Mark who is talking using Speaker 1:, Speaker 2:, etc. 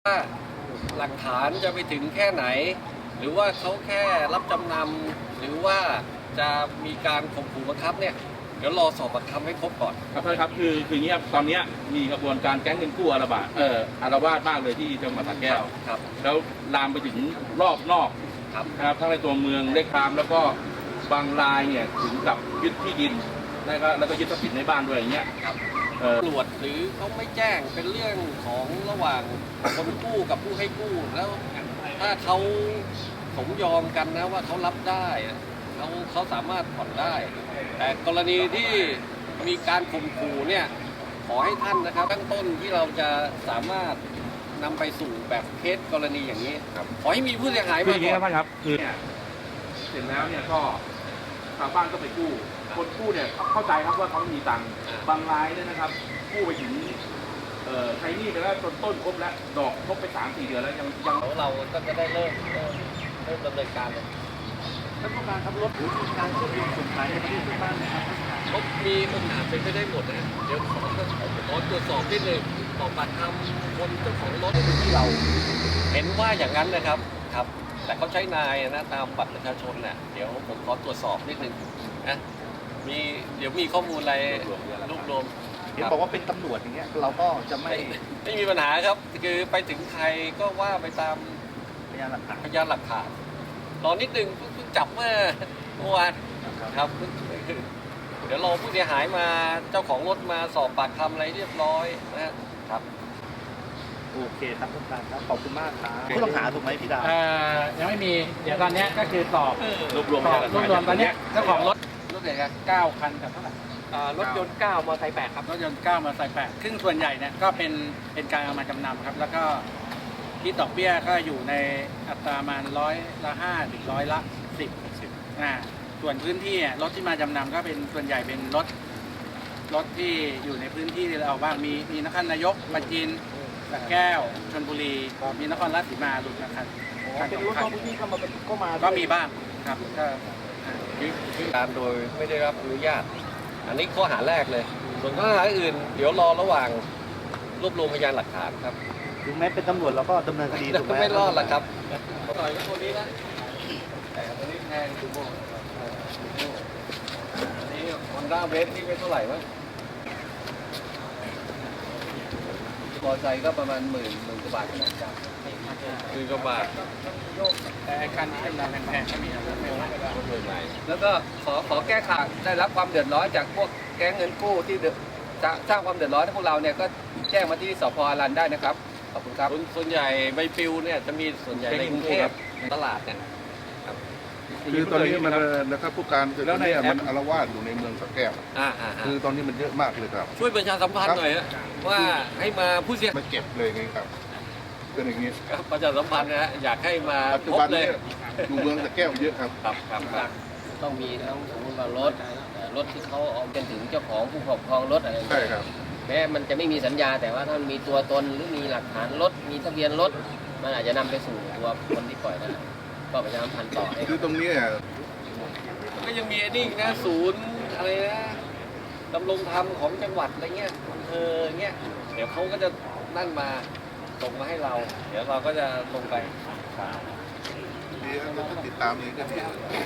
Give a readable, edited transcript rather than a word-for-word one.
Speaker 1: ว่าหลักฐานจะไปถึงแค่ไหนหรือว่าเขาแค่รับจำนำหรือว่าจะมีการข่มขู่บังคับเนี่ยเดี๋ยวรอสอบปากคำให้ครบก่อน
Speaker 2: ครับท่านครับคืออย่างนี้ครับตอนนี้มีกระบวนการแก๊งเงินกู้อาละวาดมากเลยที่จังหวัดสระแก้ว
Speaker 1: ครับ
Speaker 2: แล้วลามไปถึงรอบนอกครับทั้งในตัวเมืองเล็กคามแล้วก็บางรายเนี่ยถึงกับยึดที่ดินแล้วก็ยึดทรัพย์สินในบ้านด้วยอย่างเงี้ย
Speaker 1: ครับตำรวจหรือเขาไม่แจ้งเป็นเรื่องของระหว่างคนกู้กับผู้ให้กู้แล้วถ้าเขาสมยอมกันนะว่าเขารับได้เขาสามารถผ่อนได้ แต่กรณีที่มีการข่มขู่เนี่ยขอให้ท่านนะครับตั้งต้นที่เราจะสามารถนำไปสู่แบบเคสกรณีอย่างนี้ขอให้มีผู้เสียหายมาก่อน
Speaker 2: ครับคือเนี่ยเสร็จแล้วเนี่ยก็ชาวบ้านก็ไปกู้คนกู้เนี่ยเข้าใจครับว่าเขามีตังค์บางรายเนี่ยนะครับกู้ไปถึงใช้หนี้ไปแล้วต้นครบแล้วดอกครบไป 3-4 เดือนแล้วยัง
Speaker 1: เราก็จะได้เริ่มดำเนินการเลย
Speaker 2: ท่านผู้การครับรถการเชื่อมโยงส่งขายในประเทศบ้านนะครับ
Speaker 1: รถมีปัญหาเป็นไปได้หมดนะเดี๋ยวขอตรวจสอบนิดนึงสอบปากคำคนเจ้าของรถที่เราเห็นว่าอย่างนั้นนะครับแต่เขาใช้นายนะตามบัตรประชาชนน่ะเดี๋ยวผมขอตรวจสอบนิดนึงนะเดี๋ยวมีข้อมูลอะไรรวบรวม
Speaker 3: เห็นบอกว่าเป็นตำรวจอย่างเงี้ยเราก็จะ
Speaker 1: ไม่มีปัญหาครับคือไปถึงใครก็ว่าไปตาม
Speaker 3: พยานหลัก
Speaker 1: ฐานรอนิดนึงเพิ่งจับเมื่อวานครับเดี๋ยวรอผู้เสียหายมาเจ้าของรถมาสอบปากคำอะไรเรียบร้อยนะครับ
Speaker 3: โอเคครับทุกท่านครับขอบคุณมากครับผู้ต้องหาถูกไหมพี่ดาว
Speaker 4: ยังไม่มีเดี๋ยวตอนนี้ก็คือสอบ
Speaker 2: รวบรวม
Speaker 4: ตอนนี้เจ้าของรถเนี่ยครับ9 คันกับเท่าไหร่
Speaker 1: รถยนต์9มอเตอร์ไซค์8ครับ
Speaker 4: รถยนต์9มอเตอร์ไซค์8ซึ่งส่วนใหญ่เนี่ยก็เป็นการเอามาจำนำครับแล้วก็ที่ดอกเบี้ยก็อยู่ในอัตราประมาณ100% ถึง10%ส่วนพื้นที่รถที่มาจำนำก็เป็นส่วนใหญ่เป็นรถที่อยู่ในพื้นที่เราบ้างมีนครนายกปราจีนสระแก้วชลบุรีมีนครราชสีมาหลุดนะครับ
Speaker 3: เป็นรถนอกพื้นที่เข้ามา
Speaker 4: ก็มีบ้างครับก็
Speaker 1: การโดยไม่ได้รับอนุญาตอันนี้ข้อหาแรกเลยส่วนข้อหาอื่นเดี๋ยวรอระหว่างรวบรวมพยานหลักฐานครับ
Speaker 3: ถึงแม้เป็นตำรวจเราก็ดำเนินคดีถูกไหม
Speaker 1: ไม่รอดหรอกครับต่อยกับคนนี้นะแต่คนนี้แพงคุณโบอันนี้ฮอนด้าเวฟนี่ไม่เท่าไหร่วะมอไซค์ก็ประมาณหมื่นกว่าบาทขนาดกลาง10,000 กว่าบาท
Speaker 4: แต่การที่จำนำแพงๆก็มีนะครับไม่ว่า
Speaker 1: แล้วก็ขอแก้ข่าวได้รับความเดือดร้อนจากพวกแก๊งเงินกู้ที่จะสร้างความเดือดร้อนให้พวกเราเนี่ยก็แจ้งมาที่สพ.อรัญได้นะครับขอบคุณครับส่วนใหญ่ใบปลิวเนี่ยจะมีส่วนใหญ่ในกรุงเทพตลาดเนี่ย
Speaker 5: คือตอนนี้มันนะครับผู้การคือตอนนี้มันอาละวาดอยู่ในเมืองสระแก้วคือตอนนี้มันเยอะมากเลยครับ
Speaker 1: ช่วยประชาสัมพันธ์หน่อยว่าให้มาผู้เสีย
Speaker 5: มาเก็บเลยไงครับเป็นอย่างนี้
Speaker 1: ประชาสัมพันธ์นะอยากให้มาพบเลย
Speaker 5: อยู่เมืองสระแก้วเยอะครับ
Speaker 1: ต้องมีทั้งสมมติว่ารถที่เขาเอาเป็นถึงเจ้าของผู้ครอบครองรถอะไร
Speaker 5: ใช่ครับ
Speaker 1: แม้มันจะไม่มีสัญญาแต่ว่าถ้ามันมีตัวตนหรือมีหลักฐานรถมีทะเบียนรถมันอาจจะนำไปสู่ตัวคนที่ปล่อยได้ก็ประชาสัมพันธ์ต่อให้
Speaker 5: คือตรงนี้
Speaker 1: ก็ยังมีนี่นะศูนย์อะไรนะดำรงธรรมของจังหวัดอะไรเงี้ยเงี้ยเดี๋ยวเขาก็จะนั่นมาส่งมาให้เรา เดี๋ยวเราก็จะลงไป
Speaker 5: ดีแล้วติดตามนี้ก็ดี